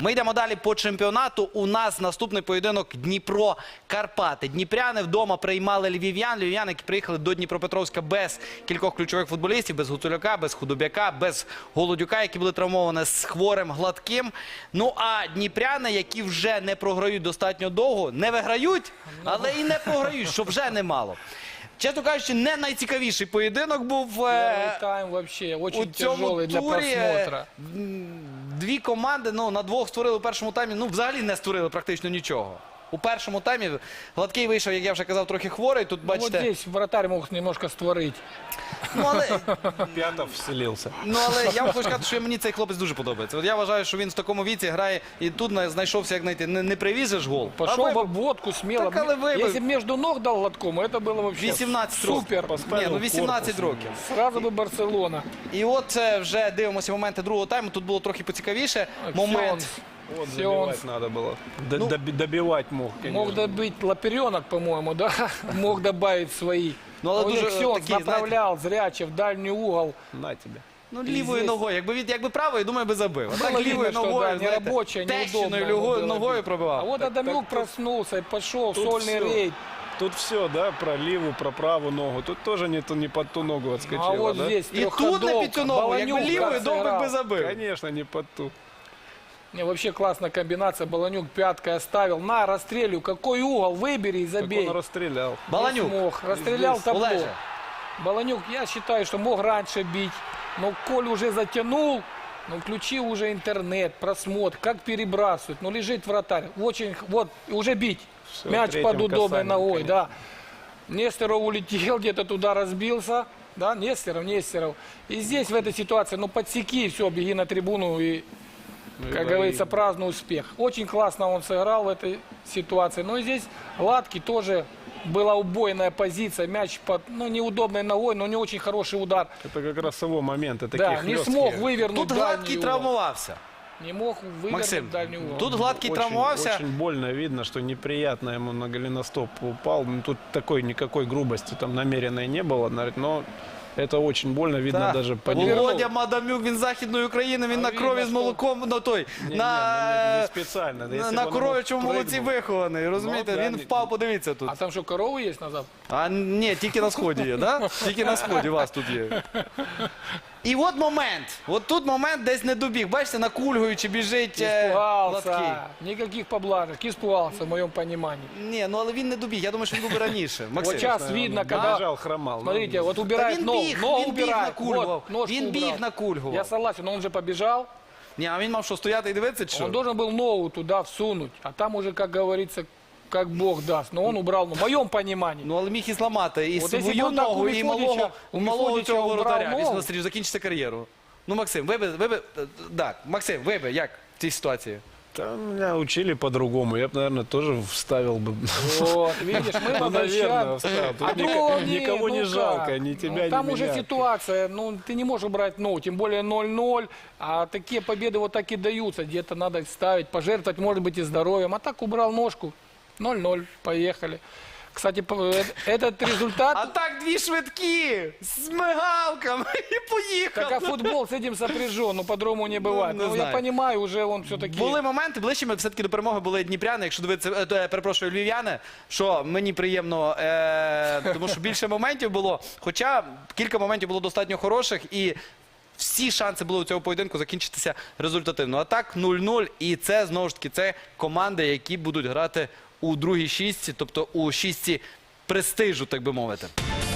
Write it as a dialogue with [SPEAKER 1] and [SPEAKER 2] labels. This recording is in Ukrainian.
[SPEAKER 1] Ми йдемо далі по чемпіонату. У нас наступний поєдинок Дніпро-Карпати. Дніпряни вдома приймали львів'ян. Львів'яни, які приїхали до Дніпропетровська без кількох ключових футболістів, без Гуцуляка, без Худобяка, без Голодюка, які були травмовані, з Хворим, Гладким. Ну а дніпряни, які вже не програють достатньо довго, не виграють, але і не програють, що вже немало. Чесно кажучи, не найцікавіший поєдинок був
[SPEAKER 2] Первый тайм вообще
[SPEAKER 1] у
[SPEAKER 2] очень
[SPEAKER 1] цьому
[SPEAKER 2] тяжелый для
[SPEAKER 1] турі.
[SPEAKER 2] просмотра.
[SPEAKER 1] Дві команди, ну, на двох створили у першому таймі, ну, взагалі не створили практично нічого. У першому таймі Гладкий вийшов, як я вже казав, трохи хворий. Тут,
[SPEAKER 2] Ну,
[SPEAKER 1] бачите,
[SPEAKER 2] вот здесь вратарь мог немножко створить.
[SPEAKER 1] ну, але,
[SPEAKER 3] Пятов вселился.
[SPEAKER 1] я вам хочу сказати, що мені цей хлопець дуже подобається. От я вважаю, що він в такому віці грає і тут знайшовся, як знайти, не привізеш гол.
[SPEAKER 2] Пошел
[SPEAKER 1] а
[SPEAKER 2] бы в водку смело.
[SPEAKER 1] Так, але вибив.
[SPEAKER 2] Если бы между ног дал Гладкому, это было вообще
[SPEAKER 1] 18 років.
[SPEAKER 2] супер.
[SPEAKER 1] Ні, ну 18 років.
[SPEAKER 2] Сразу бы Барселона.
[SPEAKER 1] І от вже дивимося моменти другого тайму. Тут було трохи поцікавіше. Момент.
[SPEAKER 3] Вот
[SPEAKER 2] Все
[SPEAKER 3] забивать надо было. Добивать мог, конечно.
[SPEAKER 2] Мог добить Лаперенок, по-моему, да? Мог добавить свои.
[SPEAKER 1] Ну, але
[SPEAKER 2] У них
[SPEAKER 1] дуже
[SPEAKER 2] Ксенц
[SPEAKER 1] такий,
[SPEAKER 2] направлял зряче в дальний угол.
[SPEAKER 3] На тебе.
[SPEAKER 1] Ну, лівою ногою. Якби правою, думаю, би забив. А
[SPEAKER 2] Было
[SPEAKER 1] так лівою
[SPEAKER 2] видно, что,
[SPEAKER 1] ногою,
[SPEAKER 2] да,
[SPEAKER 1] знаєте,
[SPEAKER 2] нерабочая,
[SPEAKER 1] тещиною
[SPEAKER 2] неудобная было
[SPEAKER 1] ногою
[SPEAKER 2] бить.
[SPEAKER 1] пробивав.
[SPEAKER 2] А вот Адамюк проснулся и пошел,
[SPEAKER 3] тут
[SPEAKER 2] сольный
[SPEAKER 3] всё.
[SPEAKER 2] рейд.
[SPEAKER 3] Тут все, да, про левую, про правую ногу. Тут тоже не под ту ногу отскочила,
[SPEAKER 2] А вот
[SPEAKER 3] да?
[SPEAKER 2] здесь
[SPEAKER 1] І тут на під цю ногу, якби лівою, довбик би забив.
[SPEAKER 3] Конечно, не под ту.
[SPEAKER 2] Не, вообще классная комбинация. Баланюк пяткой оставил. На, расстрелю. Какой угол? Выбери и
[SPEAKER 3] Как
[SPEAKER 2] забей.
[SPEAKER 3] он расстрелял.
[SPEAKER 2] Не
[SPEAKER 1] Баланюк.
[SPEAKER 2] смог. Расстрелял
[SPEAKER 1] Здесь.
[SPEAKER 2] табло.
[SPEAKER 1] Олеже.
[SPEAKER 2] Баланюк, я считаю, что мог раньше бить. Но Коль уже затянул. Ну, включи уже интернет, просмотр, как перебрасывать. Ну, лежит вратарь. Очень, вот, уже бить.
[SPEAKER 3] Всё,
[SPEAKER 2] Мяч
[SPEAKER 3] третьим
[SPEAKER 2] под удобной
[SPEAKER 3] касанием,
[SPEAKER 2] ногой,
[SPEAKER 3] конечно.
[SPEAKER 2] да. Нестеров улетел, где-то туда разбился. Да, Нестеров. И здесь в этой ситуации, ну, подсеки, все, беги на трибуну и, как говорится, празднуй успех. Очень классно он сыграл в этой ситуации. Но и здесь Гладкий тоже была убойная позиция. Мяч под, ну, неудобной ногой, но не очень хороший удар.
[SPEAKER 3] Это как раз его момент. Это
[SPEAKER 2] Да,
[SPEAKER 3] такие
[SPEAKER 2] не
[SPEAKER 3] хлёсткие.
[SPEAKER 2] смог вывернуть
[SPEAKER 1] Тут
[SPEAKER 2] дальний
[SPEAKER 1] Гладкий
[SPEAKER 2] угол.
[SPEAKER 1] травмувався.
[SPEAKER 2] Не мог вывернуть
[SPEAKER 1] Максим,
[SPEAKER 2] дальний угол.
[SPEAKER 1] тут Гладкий
[SPEAKER 3] Очень,
[SPEAKER 1] травмувався.
[SPEAKER 3] очень больно видно, что неприятно ему на голеностоп упал. Ну, тут такой никакой грубости там намеренной не было, но это очень больно видно
[SPEAKER 1] Так.
[SPEAKER 3] даже по
[SPEAKER 2] Володя
[SPEAKER 1] Володя Мадамюк, він з Західної України, він
[SPEAKER 2] А
[SPEAKER 1] на
[SPEAKER 2] видно,
[SPEAKER 1] крові з
[SPEAKER 2] що-
[SPEAKER 1] молоком, ну той,
[SPEAKER 3] Не
[SPEAKER 1] на
[SPEAKER 3] специально. Да, если
[SPEAKER 1] на
[SPEAKER 3] бы он
[SPEAKER 1] коров'ячому
[SPEAKER 3] прыгнул.
[SPEAKER 1] молоці вихований, розумієте?
[SPEAKER 3] Ну, да,
[SPEAKER 1] Він впав, подивіться тут.
[SPEAKER 2] А там что, коровы есть назад?
[SPEAKER 1] А ні, тільки на сході є, да? Тільки на сході у вас тут є. І от момент, от тут момент десь не добіг. Бачите, накульгуючи біжить Гладкий.
[SPEAKER 2] Испугался. Никаких поблажек. Испугался, в моем понимании.
[SPEAKER 1] Ні, ну але він не добіг, я думаю, що він був би раніше. Максим.
[SPEAKER 2] Вот сейчас видно, когда...
[SPEAKER 3] Бежал, хромал.
[SPEAKER 2] Смотрите, вот
[SPEAKER 1] Та
[SPEAKER 2] убирает
[SPEAKER 1] він
[SPEAKER 2] ногу.
[SPEAKER 1] біг,
[SPEAKER 2] Ногу
[SPEAKER 1] він біг
[SPEAKER 2] убирает.
[SPEAKER 1] накульгував.
[SPEAKER 2] Вот, ножку
[SPEAKER 1] Він біг
[SPEAKER 2] убрал.
[SPEAKER 1] накульгував.
[SPEAKER 2] Я согласен, но он же побежал.
[SPEAKER 1] Ні, а він мав що, стояти і дивитися, чи що?
[SPEAKER 2] Он должен был ногу туда всунуть. А там уже, как говорится, как Бог даст. Но он убрал, ну, в моем понимании.
[SPEAKER 1] Ну, але міг і зламати і
[SPEAKER 2] От якщо
[SPEAKER 1] свою
[SPEAKER 2] б так
[SPEAKER 1] ногу,
[SPEAKER 2] у
[SPEAKER 1] і
[SPEAKER 2] Мефодича- у
[SPEAKER 1] малого
[SPEAKER 2] Мефодича
[SPEAKER 1] цього
[SPEAKER 2] убрав
[SPEAKER 1] воротаря.
[SPEAKER 2] ногу.
[SPEAKER 1] Після настрілу закінчиться кар'єру. Ну, Максим, так, Максим, як в цій ситуації?
[SPEAKER 3] Там меня учили по-другому. Я бы, наверное, тоже вставил бы.
[SPEAKER 2] Вот, видишь, мы
[SPEAKER 3] Ну, наверное,
[SPEAKER 2] возвращаем.
[SPEAKER 3] вставил. Тут
[SPEAKER 2] А другого
[SPEAKER 3] никого не
[SPEAKER 2] ну
[SPEAKER 3] жалко,
[SPEAKER 2] как?
[SPEAKER 3] ни тебя,
[SPEAKER 2] Ну,
[SPEAKER 3] ни
[SPEAKER 2] там уже
[SPEAKER 3] меня.
[SPEAKER 2] ситуация, ну ты не можешь убрать ногу, тем более 0-0, а такие победы вот так и даются, где-то надо ставить, пожертвовать, может быть, и здоровьем, а так убрал ножку, 0-0, поехали. Кстати, этот результат...
[SPEAKER 1] А так дві швидкі, з мигалками і поїхали.
[SPEAKER 2] Так а футбол с этим сопряжен, ну по-другому не бывает.
[SPEAKER 1] не
[SPEAKER 2] Ну, я
[SPEAKER 1] знаю.
[SPEAKER 2] понимаю, уже он все-таки...
[SPEAKER 1] Були моменти, ближчими все-таки до перемоги були дніпряни, якщо дивитися, перепрошую, львів'яни, що мені приємно, тому що більше моментів було, хоча кілька моментів було достатньо хороших і всі шанси були у цього поєдинку закінчитися результативно. А так 0-0, і це, знову ж таки, це команди, які будуть грати у другій шістці, тобто у шістці престижу, так би мовити.